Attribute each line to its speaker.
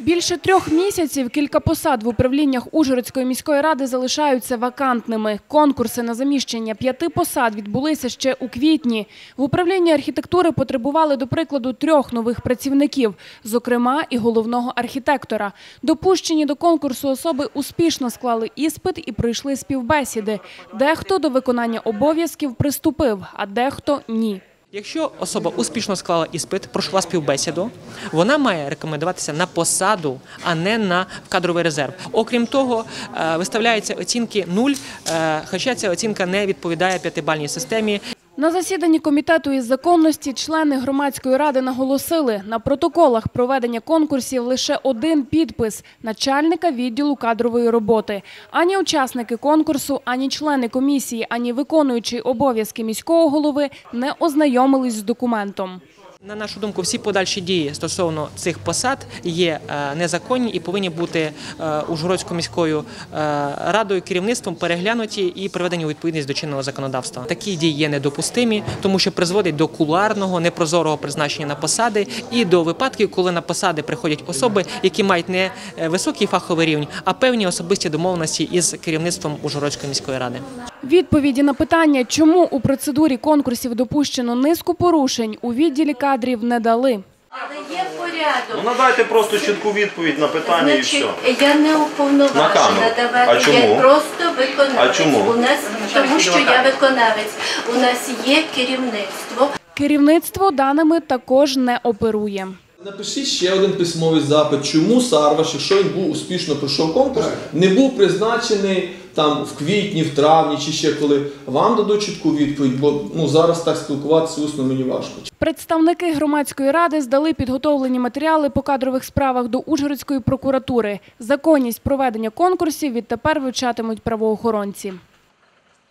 Speaker 1: Більше 3 місяців кілька посад в управліннях Ужгородської міської ради залишаються вакантними. Конкурси на заміщення 5 посад відбулися ще у квітні. В управлінні архітектури потребували, до прикладу, 3 нових працівників, зокрема і головного архітектора. Допущені до конкурсу особи успішно склали іспит і пройшли співбесіди. Дехто до виконання обов'язків приступив, а дехто – ні.
Speaker 2: Якщо особа успішно склала іспит, пройшла співбесіду, вона має рекомендуватися на посаду, а не на кадровий резерв. Окрім того, виставляються оцінки 0, хоча ця оцінка не відповідає 5-бальній системі.
Speaker 1: На засіданні комітету із законності члени громадської ради наголосили, на протоколах проведення конкурсів лише 1 підпис – начальника відділу кадрової роботи. Ані учасники конкурсу, ані члени комісії, ані виконуючий обов'язки міського голови не ознайомились з документом.
Speaker 2: На нашу думку, всі подальші дії стосовно цих посад є незаконні і повинні бути Ужгородською міською радою, керівництвом переглянуті і приведені у відповідність до чинного законодавства. Такі дії є недопустимі, тому що призводять до кулуарного, непрозорого призначення на посади і до випадків, коли на посади приходять особи, які мають не високий фаховий рівень, а певні особисті домовленості із керівництвом Ужгородської міської ради.
Speaker 1: Відповіді на питання, чому у процедурі конкурсів допущено низку порушень, у відділі кадрів не дали.
Speaker 3: Але є порядок.
Speaker 4: Надайте просто чітку відповідь на питання і все.
Speaker 3: Я не уповноважена давати, я просто виконавець.
Speaker 4: А чому?
Speaker 3: Тому що я виконавець. У нас є керівництво.
Speaker 1: Керівництво даними також не оперує.
Speaker 5: Напишіть ще один письмовий запит, чому Сарваш, якщо він був успішно пройшов конкурс, не був призначений там в квітні, в травні чи ще коли. Вам дадуть чітку відповідь, бо зараз так спілкуватися усно мені важко.
Speaker 1: Представники громадської ради здали підготовлені матеріали по кадрових справах до Ужгородської прокуратури. Законність проведення конкурсів відтепер вивчатимуть правоохоронці.